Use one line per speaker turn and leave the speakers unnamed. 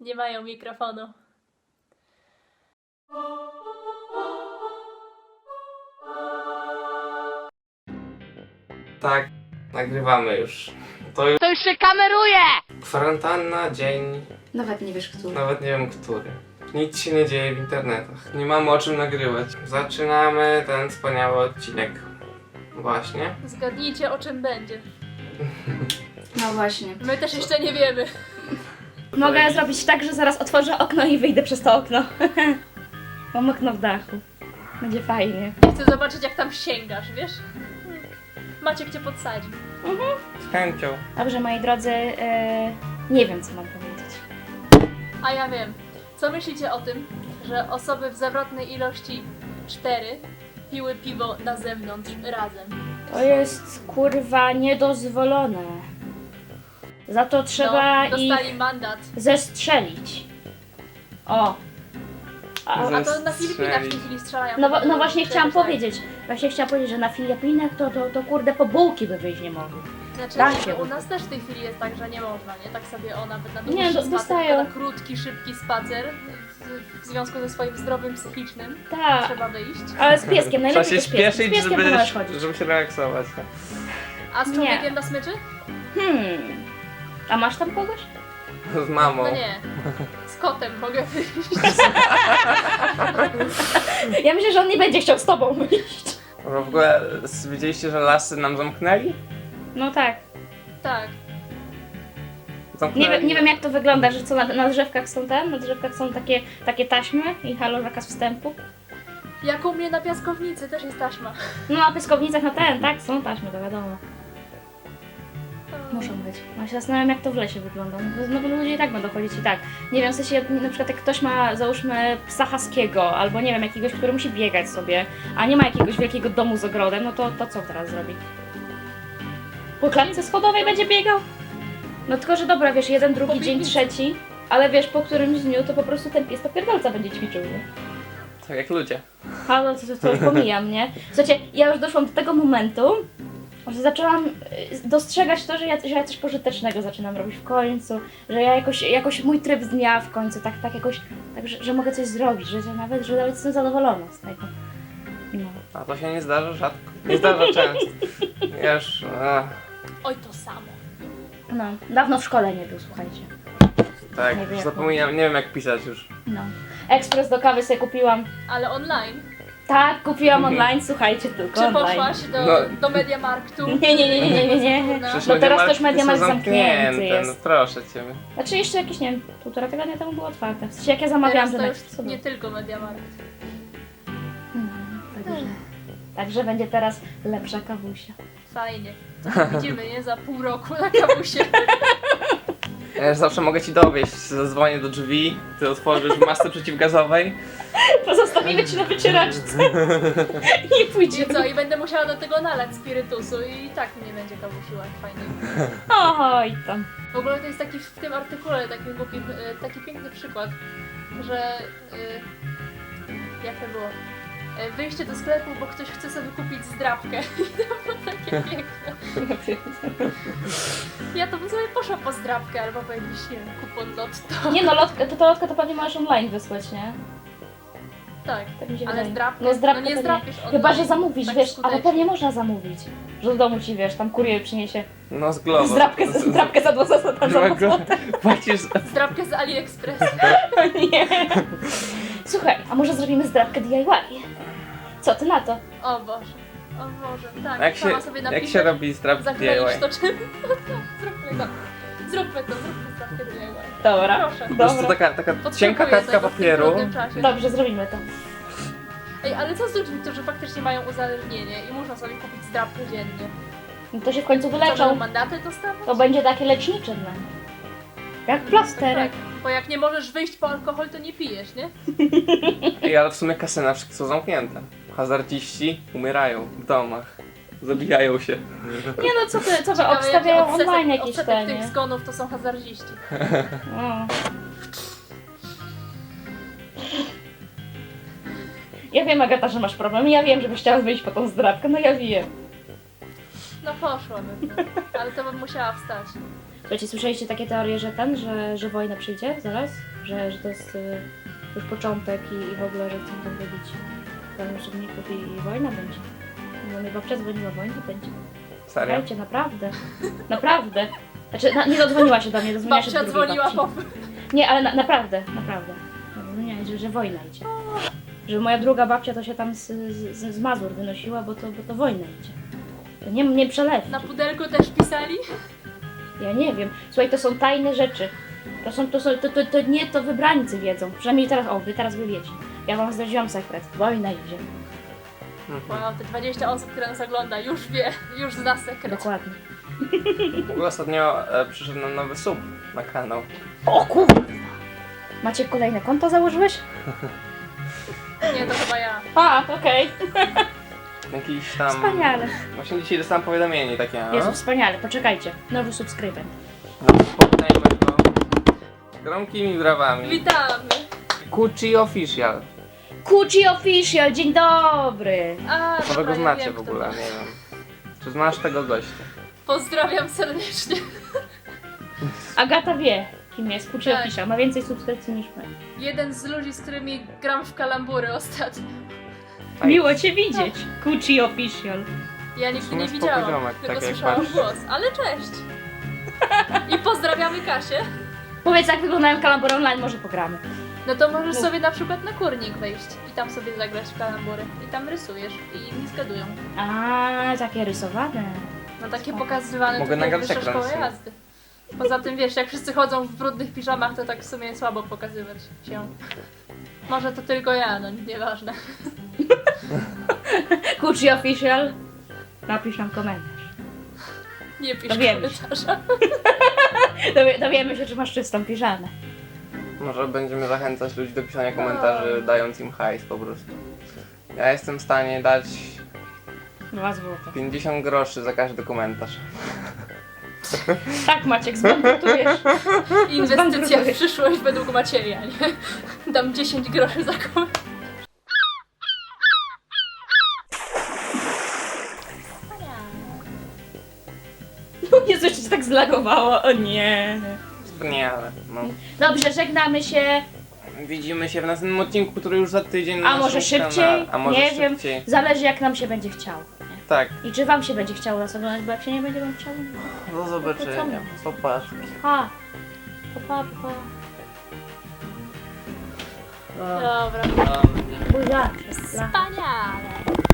Nie mają mikrofonu.
Tak, nagrywamy już.
To już się kameruje!
Kwarantanna, dzień,
Nawet nie wiesz, który.
nawet nie wiem który. Nic się nie dzieje w internetach. Nie mamy o czym nagrywać. Zaczynamy ten wspaniały odcinek. Właśnie.
Zgadnijcie, o czym będzie.
No właśnie.
My też jeszcze nie wiemy.
Mogę zrobić tak, że zaraz otworzę okno i wyjdę przez to okno. Mam okno w dachu. Będzie fajnie.
Chcę zobaczyć, jak tam sięgasz, wiesz? Maciek cię podsadzi.
Z chęcią.
Dobrze, moi drodzy, nie wiem, co mam powiedzieć.
A ja wiem. Co myślicie o tym, że osoby w zawrotnej ilości 4 piły piwo na zewnątrz razem?
To jest, kurwa, niedozwolone. Za to trzeba
No, dostali
ich
mandat.
zestrzelić. O.
A to na
Zestrzelić.
Filipinach w tej chwili strzelają.
No właśnie chciałam
Tak.
powiedzieć. Właśnie chciałam powiedzieć, że na Filipinach to kurde po bułki by wyjść nie mogli.
Znaczy,
Da się.
u nas też w tej chwili jest tak, że nie można, nie? Tak sobie o nawet na
Nie,
dłuższy spacer,
dostają.
tylko na krótki, szybki spacer w związku ze swoim zdrowiem psychicznym
Tak.
trzeba wyjść.
Ale z pieskiem,
Trzeba
najlepiej
się
z pieskiem. Z
śpieszyć,
pieskiem to możesz chodzić.
żeby się relaksować.
A z
Nie.
człowiekiem na smyczy?
A masz tam kogoś?
Z mamą.
No nie. Z kotem mogę wyjść.
Ja myślę, że on nie będzie chciał z tobą wyjść.
W ogóle widzieliście, że lasy nam zamknęli?
No tak.
Tak.
Zamknęli.
Nie wiem jak to wygląda, że co na drzewkach są na drzewkach są takie taśmy i halo zakaz wstępu.
Jak u mnie na piaskownicy też jest taśma.
No na pyskownicach tak, są taśmy, to wiadomo. Muszą być. No się zastanawiam jak to w lesie wygląda. No bo ludzie i tak będą chodzić i tak. Nie wiem, w sensie na przykład jak ktoś ma załóżmy psa haskiego, albo nie wiem, jakiegoś, który musi biegać sobie, a nie ma jakiegoś wielkiego domu z ogrodem, no to co teraz zrobi? Po klatce schodowej będzie biegał? No tylko, że dobra, wiesz, jeden, drugi,
Po
dzień,
piwnicy.
trzeci, ale wiesz, po którymś dniu to po prostu ten pies to pierdolca będzie ćwiczył, nie?
Tak jak ludzie.
A no to już pomijam, nie? Słuchajcie, ja już doszłam do tego momentu, że zaczęłam dostrzegać to, że ja coś pożytecznego zaczynam robić w końcu, że ja jakoś mój tryb dnia w końcu, tak jakoś, tak, że mogę coś zrobić, że nawet jestem zadowolona z tego. No.
A to się nie zdarza rzadko. Nie zdarza często. Ja już...
Oj, to samo.
No, dawno w szkole nie był, słuchajcie.
tak,
Nie wiem, jak
zapominam, nie wiem jak pisać już.
No. Ekspres do kawy sobie kupiłam.
Ale online.
Tak, kupiłam online, słuchajcie, tylko
Czy
online.
poszłaś
No.
do Mediamarktu?
Nie.
Przecież
No teraz
Mediamarkt
też Mediamarkt
są
zamknięty jest.
No proszę ciebie.
Znaczy jeszcze jakieś, nie wiem, 1,5 tygodnia temu było otwarte. W sensie jak ja zamawiałam,
Teraz to
to
już
co
nie
było.
tylko Mediamarkt.
Także będzie teraz lepsza kawusia.
Fajnie. To widzimy, nie? Za pół roku na kawusie.
Ja już zawsze mogę ci dowieść. Zadzwonię do drzwi, ty otworzysz w masce przeciwgazowej.
Pozostawimy ci na wycieraczce i
I
pójdziemy.
co? I będę musiała do tego nalać spirytusu i tak nie będzie kawusiła fajnie.
Oj tam.
W ogóle to jest taki w tym artykule taki piękny przykład, że jak to było? Wyjście do sklepu, bo ktoś chce sobie kupić zdrabkę. I to było takie piękne. Ja to bym sobie poszła po zdrabkę albo po jakiś, nie wiem, kupon lotto.
Nie no, lotka to pewnie możesz online wysłać, nie?
Tak.
Tak mi się
Ale
wydaje.
zdrabkę?
No zdrabkę
No nie
to
zdrapiesz online.
Chyba, że zamówisz,
Tak
wiesz, ale
skutecznie.
pewnie można zamówić. Że do domu ci, wiesz, tam kurier przyniesie
No z Glovo.
zdrabkę za 2 zł.
Płacisz...
Zdrabkę z AliExpress.
Nie. Słuchaj, a może zrobimy zdrabkę DIY? Co ty na to?
O Boże. O Boże. Tak,
Jak
sama
się,
sobie
jak
napisać.
się robi zdrabki
Zakleisz
DIY?
to czym? Zróbmy to. Zróbmy zdrabkę DIY.
Dobra.
Proszę.
Po prostu
Dobra.
taka
Potrzebuję
cienka kartka
tego w tym
papieru.
trudnym czasie.
Dobrze, zrobimy to.
Ej, ale co z ludźmi, którzy faktycznie mają uzależnienie i muszą sobie kupić zdrabkę dziennie?
No to się w końcu
Co, będą
wyleczą.
mandaty dostawać?
To będzie takie lecznicze dla nich. Jak plasterek.
Tak, bo jak nie możesz wyjść po alkohol, to nie pijesz, nie?
Ej, ale w sumie kasyna wszystkie są zamknięte. Hazardziści umierają w domach. Zabijają się.
Nie no, co wy
Ciekawe,
obstawiają
jaki
online jakieś
odsetek
te,
tych
nie?
zgonów to są hazardziści.
No. Ja wiem, Agata, że masz problem. Ja wiem, że byś chciała wyjść po tą zdrabkę, no ja wiem.
No poszłabym, no. Ale to bym musiała wstać.
Słuchajcie, słyszeliście takie teorie, że że wojna przyjdzie zaraz? Że to jest już początek i w ogóle, że chcą tam wybić pełno osobników i wojna będzie. No mnie babcia dzwoniła, wojna będzie.
Serio?
Słuchajcie, naprawdę. Naprawdę. Znaczy, nie dodzwoniła się do mnie, dodzwoniła się do
Babcia
drugiej
dzwoniła
babci.
po...
Nie, ale naprawdę. No nie, że wojna idzie. Że moja druga babcia to się tam z Mazur wynosiła, bo to wojna idzie. To nie przelew.
Na pudelku też pisali?
Ja nie wiem. Słuchaj, to są tajne rzeczy. To nie to wybrańcy wiedzą. Przynajmniej teraz, wy teraz wiecie. Ja wam zdradziłam sekret. Wojna idzie.
Mhm.
Wow, te 20 osób, które nas ogląda, już wie, już zna sekret.
Dokładnie.
W ogóle ostatnio przyszedł nam nowy sub na kanał.
O kurwa! Macie kolejne konto założyłeś?
Nie, to chyba ja.
A, okej.
Jakiś tam...
Wspaniale.
Właśnie dzisiaj dostałem powiadomienie takie, no.
Jezu, wspaniale. Poczekajcie. Nowy subskrybent.
Powitajmy go gromkimi brawami.
Witamy!
Kuchi Official.
Kuchi Official, dzień dobry!
A,
Co wy
dobra,
go
ja
znacie
wiem,
w
kto
ogóle,
to.
nie wiem. Czy znasz tego gościa?
Pozdrawiam serdecznie.
Agata wie, kim jest Kuchi
Tak.
Official. Ma więcej subskrypcji niż my.
Jeden z ludzi, z którymi gram w kalambury ostatnio.
Aj.
Miło cię widzieć, Kuchi Official.
Ja
W
nigdy
sumie
nie
spoko
widziałam,
ziomek,
tylko
tak jak
słyszałam
patrzę.
głos. Ale cześć! I pozdrawiamy Kasię.
Powiedz, jak wyglądają kalambury online, może pogramy.
No to możesz
Mów.
sobie na przykład na kurnik wejść i tam sobie zagrać w kalambury. I tam rysujesz i inni zgadują.
A, takie rysowane.
No takie pokazywane
Mogę
tutaj w
nagrać
Wyższej
ekran
Szkoły
w sumie.
Jazdy. Poza tym wiesz, jak wszyscy chodzą w brudnych piżamach, to tak w sumie słabo pokazywać się. Może to tylko ja, no nieważne.
Kuchi Official, napisz nam komentarz.
Nie pisz
Dowiemy się.
komentarza.
Dowiemy się, czy masz czystą piżamę.
Może będziemy zachęcać ludzi do pisania komentarzy, dając im hajs po prostu. Ja jestem w stanie dać
2 złote.
50 groszy za każdy komentarz.
Tak, Maciek, zbankrutujesz.
Inwestycja w
Zbankrutujesz.
przyszłość według Macieja, nie? Dam 10 groszy za komentarz.
Jezu, jeszcze się tak zlagowało, o nie.
Wspaniale. No.
Dobrze, żegnamy się.
Widzimy się w następnym odcinku, który już za tydzień na
A może
naszym
szybciej?
kanale. A może
Nie
szybciej.
wiem. Zależy, jak nam się będzie chciało. Nie?
Tak,
I czy wam się będzie chciało nas oglądać, bo jak się nie będzie wam chciało, no
do zobaczenia. Popatrz.
pa. Pa.
Dobra.
Buziaczek.
Wspaniale.